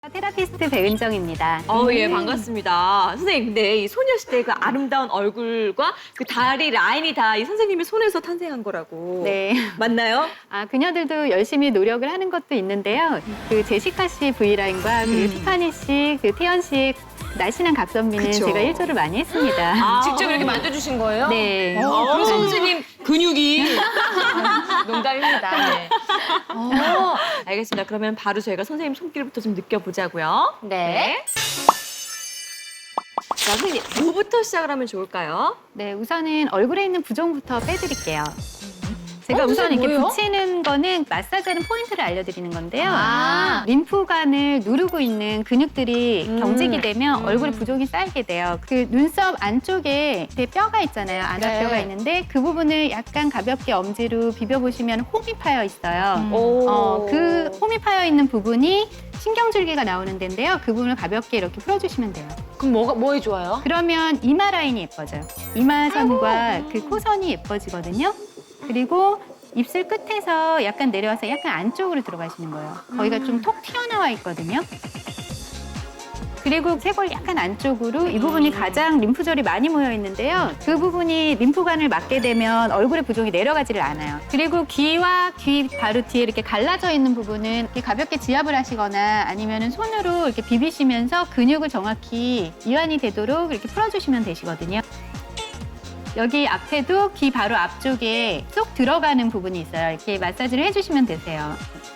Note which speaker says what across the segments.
Speaker 1: 테라피스트 배은정입니다.
Speaker 2: 예, 반갑습니다. 선생님, 근데 이 소녀시대의 그 아름다운 얼굴과 그 다리 라인이 다 이 선생님의 손에서 탄생한 거라고.
Speaker 1: 네.
Speaker 2: 맞나요?
Speaker 1: 그녀들도 열심히 노력을 하는 것도 있는데요. 그 제시카 씨 V라인과 그리고 티파니 씨, 그 태연 씨의 날씬한 각선미는
Speaker 2: 그쵸.
Speaker 1: 제가 일조를 많이 했습니다.
Speaker 3: 직접 이렇게 만져주신 거예요?
Speaker 1: 네.
Speaker 2: 그럼 선생님 근육이.
Speaker 3: 농담입니다. 네.
Speaker 2: 알겠습니다. 그러면 바로 저희가 선생님 손길부터 좀 느껴보자고요.
Speaker 3: 네.
Speaker 2: 자, 선생님, 뭐부터 시작을 하면 좋을까요?
Speaker 1: 네, 우선은 얼굴에 있는 부종부터 빼드릴게요. 제가
Speaker 3: 그게
Speaker 1: 우선 이렇게
Speaker 3: 뭐예요?
Speaker 1: 붙이는 거는 마사지하는 포인트를 알려드리는 건데요.
Speaker 3: 아.
Speaker 1: 림프관을 누르고 있는 근육들이 경직이 되면 얼굴에 부종이 쌓이게 돼요. 그 눈썹 안쪽에 제 뼈가 있잖아요. 안압뼈가
Speaker 3: 네.
Speaker 1: 있는데 그 부분을 약간 가볍게 엄지로 비벼보시면 홈이 파여 있어요.
Speaker 2: 오.
Speaker 1: 그 홈이 파여 있는 부분이 신경줄기가 나오는 데인데요. 그 부분을 가볍게 이렇게 풀어주시면 돼요.
Speaker 3: 그럼 뭐에 좋아요?
Speaker 1: 그러면 이마 라인이 예뻐져요. 이마선과 그 코선이 예뻐지거든요. 그리고 입술 끝에서 약간 내려와서 약간 안쪽으로 들어가시는 거예요. 거기가 좀 톡 튀어나와 있거든요. 그리고 쇄골 약간 안쪽으로 이 부분이 가장 림프절이 많이 모여 있는데요. 그 부분이 림프관을 막게 되면 얼굴의 부종이 내려가지를 않아요. 그리고 귀와 귀 바로 뒤에 이렇게 갈라져 있는 부분은 이렇게 가볍게 지압을 하시거나 아니면 손으로 이렇게 비비시면서 근육을 정확히 이완이 되도록 이렇게 풀어주시면 되시거든요. 여기 앞에도 귀 바로 앞쪽에 쏙 들어가는 부분이 있어요. 이렇게 마사지를 해주시면 되세요.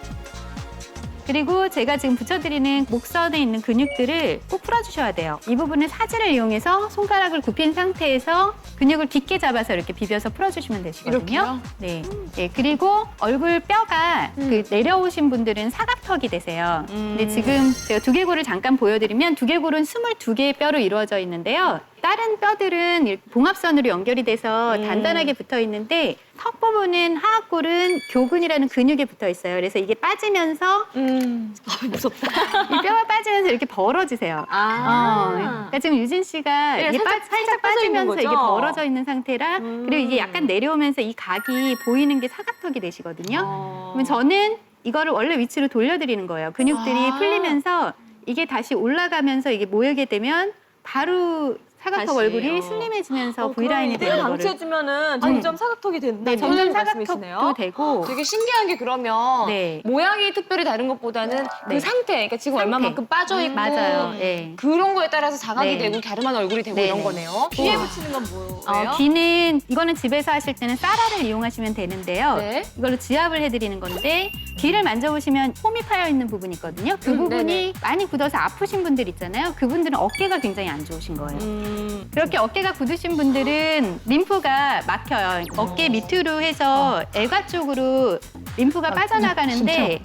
Speaker 1: 그리고 제가 지금 붙여드리는 목선에 있는 근육들을 꼭 풀어주셔야 돼요. 이 부분은 사지를 이용해서 손가락을 굽힌 상태에서 근육을 깊게 잡아서 이렇게 비벼서 풀어주시면 되시거든요.
Speaker 3: 이렇게요?
Speaker 1: 네. 네. 그리고 얼굴 뼈가 그 내려오신 분들은 사각턱이 되세요. 근데 지금 제가 두개골을 잠깐 보여드리면 두개골은 22개의 뼈로 이루어져 있는데요. 다른 뼈들은 이렇게 봉합선으로 연결이 돼서 단단하게 붙어 있는데 턱 부분은 하악골은 교근이라는 근육에 붙어 있어요. 그래서 이게 빠지면서
Speaker 2: 무섭다.
Speaker 1: 이 뼈가 빠지면서 이렇게 벌어지세요. 그러니까 지금 유진 씨가
Speaker 2: 네,
Speaker 1: 이게
Speaker 2: 살짝 빠져 있는
Speaker 1: 빠지면서
Speaker 2: 거죠?
Speaker 1: 이게 벌어져 있는 상태라 그리고 이게 약간 내려오면서 이 각이 보이는 게 사각턱이 되시거든요. 그러면 저는 이거를 원래 위치로 돌려드리는 거예요. 근육들이 풀리면서 이게 다시 올라가면서 이게 모이게 되면 바로 사각턱
Speaker 2: 다시,
Speaker 1: 얼굴이 슬림해지면서 V라인이 되는 거를
Speaker 2: 방치해주면은 점점 사각턱이 된다.
Speaker 1: 네, 점점
Speaker 2: 말씀이시네요.
Speaker 1: 사각턱도 되고
Speaker 3: 되게 신기한 게 그러면
Speaker 1: 네.
Speaker 3: 모양이 특별히 다른 것보다는
Speaker 1: 네.
Speaker 3: 그 상태, 그러니까 지금
Speaker 1: 상태.
Speaker 3: 얼마만큼 빠져있고
Speaker 1: 맞아요. 네.
Speaker 3: 그런 거에 따라서 자각이
Speaker 1: 네.
Speaker 3: 되고 갸름한 얼굴이 되고
Speaker 1: 네,
Speaker 3: 이런
Speaker 1: 네.
Speaker 3: 거네요.
Speaker 2: 귀에 붙이는 건 뭐예요?
Speaker 1: 귀는 이거는 집에서 하실 때는 쌀알을 이용하시면 되는데요.
Speaker 3: 네.
Speaker 1: 이걸로 지압을 해드리는 건데 귀를 만져보시면 홈이 파여 있는 부분이 있거든요. 그 부분이
Speaker 3: 네네.
Speaker 1: 많이 굳어서 아프신 분들 있잖아요. 그분들은 어깨가 굉장히 안 좋으신 거예요. 그렇게 어깨가 굳으신 분들은 림프가 막혀요. 어깨 밑으로 해서 애가 쪽으로 림프가 빠져나가는데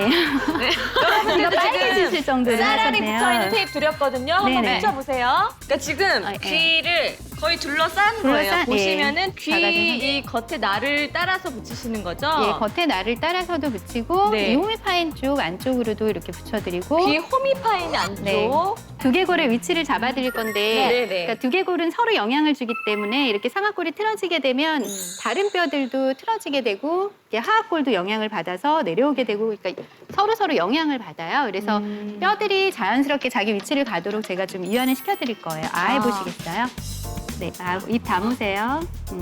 Speaker 1: 이거 빨개지실 정도로
Speaker 2: 쌀알이
Speaker 1: 하셨네요.
Speaker 2: 붙어있는 테이프 드렸거든요. 한번
Speaker 1: 네네.
Speaker 2: 붙여보세요. 그러니까 지금
Speaker 1: 네.
Speaker 2: 귀를 거의 둘러싼 거예요.
Speaker 1: 둘러싼,
Speaker 2: 보시면은
Speaker 1: 네.
Speaker 2: 귀
Speaker 1: 작아진
Speaker 2: 이 겉에 날을 따라서 붙이시는 거죠?
Speaker 1: 예, 겉에 날을 따라서도 붙이고
Speaker 2: 네.
Speaker 1: 이 홈이 파인 쪽 안쪽으로도 이렇게 붙여드리고
Speaker 2: 귀 홈이 파인 안쪽.
Speaker 1: 네. 두개골의 위치를 잡아드릴 건데
Speaker 2: 네네.
Speaker 1: 그러니까 두개골은 서로 영향을 주기 때문에 이렇게 상악골이 틀어지게 되면 다른 뼈들도 틀어지게 되고 이렇게 하악골도 영향을 받아서 내려오게 되고 그러니까 서로 영향을 받아요. 그래서 뼈들이 자연스럽게 자기 위치를 가도록 제가 좀 이완을 시켜드릴 거예요. 해보시겠어요? 네, 입 다무세요.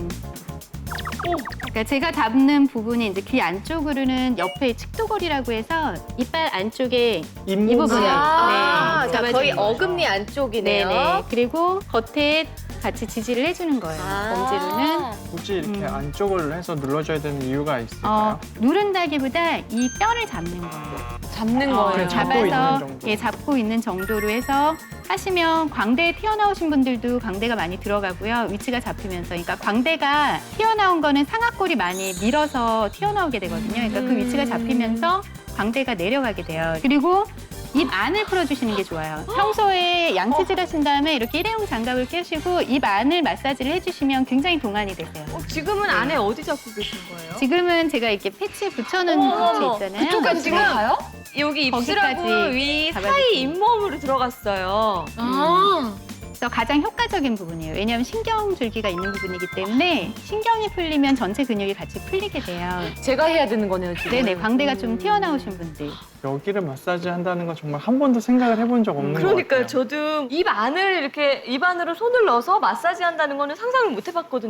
Speaker 1: 그러니까 제가 잡는 부분이 이제 귀 안쪽으로는 옆에 측도골이라고 해서 이빨 안쪽에 이 부분을
Speaker 3: 아,
Speaker 1: 네,
Speaker 3: 거의
Speaker 1: 잡아주는 거예요.
Speaker 3: 어금니 안쪽이네요.
Speaker 1: 네네. 그리고 겉에 같이 지지를 해주는 거예요. 검지로는
Speaker 4: 굳이 이렇게 안쪽을 해서 눌러줘야 되는 이유가 있을까요?
Speaker 1: 누른다기보다 이 뼈를 잡는 거예요.
Speaker 3: 잡는 거예요.
Speaker 4: 그냥 잡고 있는 정도.
Speaker 1: 예, 잡고 있는 정도로 해서 하시면 광대에 튀어나오신 분들도 광대가 많이 들어가고요. 위치가 잡히면서. 그러니까 광대가 튀어나온 거는 상악골이 많이 밀어서 튀어나오게 되거든요. 그러니까 그 위치가 잡히면서 광대가 내려가게 돼요. 그리고 입 안을 풀어주시는 게 좋아요. 평소에 양치질 하신 다음에 이렇게 일회용 장갑을 끼시고 입 안을 마사지를 해주시면 굉장히 동안이 되세요.
Speaker 2: 지금은 안에 어디 잡고 계신 거예요?
Speaker 1: 지금은 제가 이렇게 패치 붙여놓은 위치 있잖아요.
Speaker 3: 그쪽까지
Speaker 2: 지금
Speaker 3: 들어가요?
Speaker 2: 여기
Speaker 1: 거기까지
Speaker 2: 입술하고 위
Speaker 1: 잡아주세요.
Speaker 2: 사이 잇몸으로 들어갔어요.
Speaker 3: 아,
Speaker 1: 중에서 가장 효과적인 부분이에요. 왜냐하면 신경줄기가 있는 부분이기 때문에 신경이 풀리면 전체 근육이 같이 풀리게 돼요.
Speaker 3: 제가 해야 되는 거네요, 지금.
Speaker 1: 네네, 광대가 좀 튀어나오신 분들.
Speaker 4: 여기를 마사지 한다는 건 정말 한 번도 생각을 해본 적 없는 것
Speaker 2: 그러니까요.
Speaker 4: 같아요.
Speaker 2: 저도 입 안을 이렇게 입 안으로 손을 넣어서 마사지 한다는 거는 상상을 못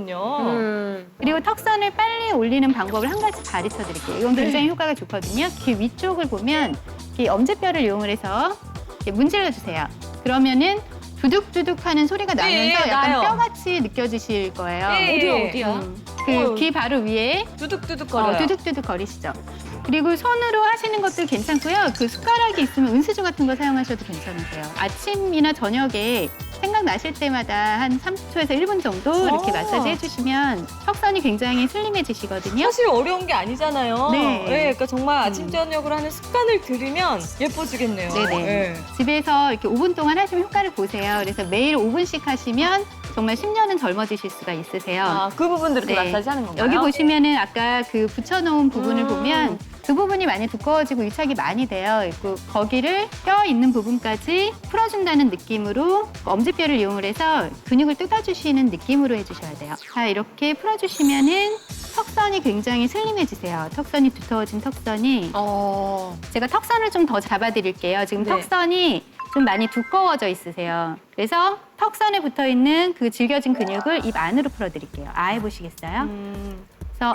Speaker 2: 해봤거든요.
Speaker 1: 그리고 턱선을 빨리 올리는 방법을 한 가지 가르쳐 드릴게요. 이건 굉장히 효과가 좋거든요. 귀 위쪽을 보면 이 엄지뼈를 이용을 해서 이렇게 문질러 주세요. 그러면은 두둑두둑 하는 소리가 나면서
Speaker 2: 예,
Speaker 1: 약간
Speaker 2: 나요.
Speaker 1: 뼈같이 느껴지실 거예요.
Speaker 2: 예.
Speaker 3: 어디야?
Speaker 1: 그 귀 바로 위에
Speaker 2: 두둑두둑 거려요.
Speaker 1: 두둑두둑 거리시죠. 그리고 손으로 하시는 것도 괜찮고요. 그 숟가락이 있으면 은수저 같은 거 사용하셔도 괜찮으세요. 아침이나 저녁에 생각나실 때마다 한 30초에서 1분 정도 이렇게 마사지 해주시면 턱선이 굉장히 슬림해지시거든요.
Speaker 2: 사실 어려운 게 아니잖아요.
Speaker 1: 네.
Speaker 2: 그러니까 정말 아침 저녁으로 하는 습관을 들이면 예뻐지겠네요.
Speaker 1: 네네.
Speaker 2: 예.
Speaker 1: 집에서 이렇게 5분 동안 하시면 효과를 보세요. 그래서 매일 5분씩 하시면 정말 10년은 젊어지실 수가 있으세요.
Speaker 2: 아, 그 부분도 이렇게
Speaker 1: 네.
Speaker 2: 마사지 하는 건가요?
Speaker 1: 여기 보시면은 아까 그 붙여놓은 부분을 보면 그 부분이 많이 두꺼워지고 유착이 많이 되어 있고 거기를 뼈 있는 부분까지 풀어준다는 느낌으로 엄지뼈를 이용을 해서 근육을 뜯어주시는 느낌으로 해주셔야 돼요. 자, 이렇게 풀어주시면은 턱선이 굉장히 슬림해지세요. 턱선이 두터워진 턱선이. 제가 턱선을 좀 더 잡아드릴게요. 지금
Speaker 2: 네.
Speaker 1: 턱선이 좀 많이 두꺼워져 있으세요. 그래서 턱선에 붙어 있는 그 질겨진 근육을 입 안으로 풀어드릴게요. 해보시겠어요? 그래서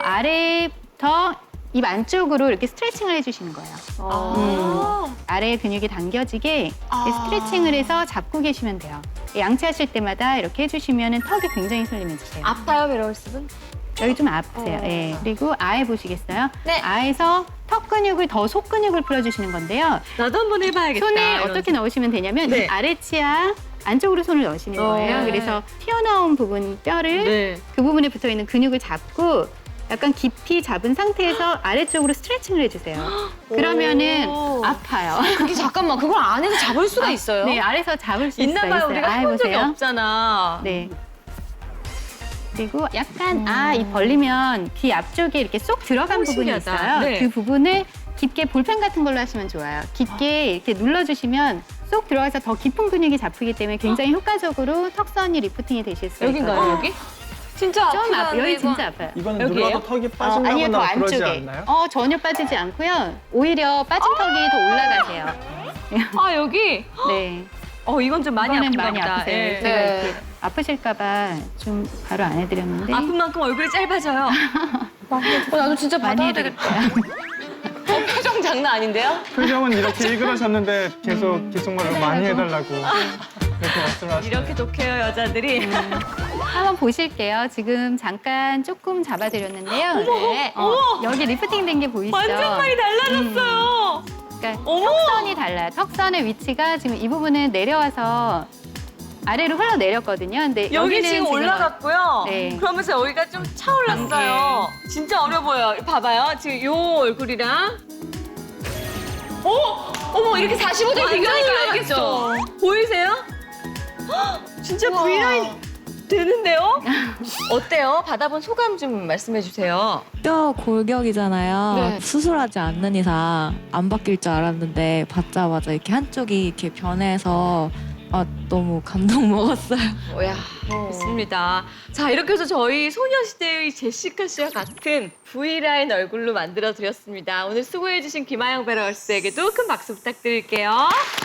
Speaker 1: 아래부터 입 안쪽으로 이렇게 스트레칭을 해주시는 거예요. 아래의 근육이 당겨지게 스트레칭을 해서 잡고 계시면 돼요. 양치하실 때마다 이렇게 해주시면 턱이 굉장히 슬림해지세요.
Speaker 2: 아파요, 베러스분?
Speaker 1: 여기 좀 아프세요. 예. 그리고 해보시겠어요?
Speaker 2: 네.
Speaker 1: 에서 턱 근육을 더 속근육을 풀어주시는 건데요.
Speaker 2: 나도 한번 해봐야겠다.
Speaker 1: 손을
Speaker 2: 이런
Speaker 1: 어떻게 넣으시면 되냐면
Speaker 2: 네.
Speaker 1: 이 아래 치아 안쪽으로 손을 넣으시는 거예요.
Speaker 2: 네.
Speaker 1: 그래서 튀어나온 부분 뼈를
Speaker 2: 네.
Speaker 1: 그 부분에 붙어 있는 근육을 잡고 약간 깊이 잡은 상태에서 아래쪽으로 스트레칭을 해주세요. 그러면은
Speaker 2: 오.
Speaker 1: 아파요.
Speaker 3: 그게 잠깐만, 그걸 안에서 잡을 수가 있어요?
Speaker 1: 네, 아래서 잡을 수
Speaker 2: 있나
Speaker 1: 있어요.
Speaker 2: 봐요. 우리가 해본 적이
Speaker 1: 해보세요.
Speaker 2: 없잖아.
Speaker 1: 네. 그리고 약간 이 벌리면 귀 앞쪽에 이렇게 쏙 들어간 부분이
Speaker 2: 신기하다.
Speaker 1: 있어요.
Speaker 2: 네.
Speaker 1: 그 부분을 깊게 볼펜 같은 걸로 하시면 좋아요. 깊게 이렇게 눌러주시면 쏙 들어가서 더 깊은 근육이 잡히기 때문에 굉장히 효과적으로 턱선이 리프팅이 되실 수 있거든요.
Speaker 2: 여긴가요, 여기? 진짜
Speaker 1: 좀
Speaker 2: 아프다.
Speaker 1: 아파요. 여기 진짜 아파요.
Speaker 4: 이거는
Speaker 2: 여기예요?
Speaker 4: 눌러도 턱이
Speaker 1: 아니요, 더
Speaker 4: 빠진다거나 그러지
Speaker 1: 안쪽에.
Speaker 4: 않나요?
Speaker 1: 전혀 빠지지 않고요. 오히려 빠진 턱이 더 올라가세요.
Speaker 2: 아, 여기?
Speaker 1: 네.
Speaker 2: 이건 좀 많이
Speaker 1: 이번엔
Speaker 2: 아픈가
Speaker 1: 많이
Speaker 2: 보다.
Speaker 1: 아프세요.
Speaker 2: 예.
Speaker 1: 제가 이렇게 아프실까봐 좀 바로 안 해드렸는데
Speaker 2: 아픈 만큼 얼굴이 짧아져요.
Speaker 3: 나도 진짜
Speaker 1: 많이
Speaker 3: 받아야
Speaker 1: 해드릴게요.
Speaker 3: 되겠다. 표정 장난 아닌데요?
Speaker 4: 표정은 이렇게 일그러셨는데 계속 기승말로 많이 해달라고 이렇게 말씀하시네요.
Speaker 2: 이렇게 독해요, 여자들이.
Speaker 1: 한번 보실게요. 지금 잠깐 조금 잡아드렸는데요.
Speaker 3: 네.
Speaker 1: 여기 리프팅 된 게 보이시죠?
Speaker 2: 완전 많이 달라졌어요.
Speaker 1: 그러니까
Speaker 2: 어머!
Speaker 1: 턱선이 달라요. 턱선의 위치가 지금 이 부분은 내려와서 아래로 흘러내렸거든요. 근데
Speaker 2: 여기
Speaker 1: 여기는
Speaker 2: 지금 올라갔고요.
Speaker 1: 네.
Speaker 2: 그러면서 여기가 좀 차올랐어요. 진짜 어려 보여요. 봐봐요. 지금 요 얼굴이랑.
Speaker 3: 어머, 이렇게 45도
Speaker 2: 완전
Speaker 3: 비교하니까
Speaker 2: 올라갔죠?
Speaker 3: 알겠죠?
Speaker 2: 보이세요? 헉, 진짜 V라인 되는데요? 어때요? 받아본 소감 좀 말씀해 주세요.
Speaker 5: 뼈 골격이잖아요.
Speaker 3: 네.
Speaker 5: 수술하지 않는 이상 안 바뀔 줄 알았는데 받자마자 이렇게 한쪽이 이렇게 변해서 너무 감동 먹었어요.
Speaker 3: 야.
Speaker 2: 좋습니다. 자, 이렇게 해서 저희 소녀시대의 제시카 씨와 같은 V라인 얼굴로 만들어 드렸습니다. 오늘 수고해 주신 김하영 베러스에게도 큰 박수 부탁드릴게요.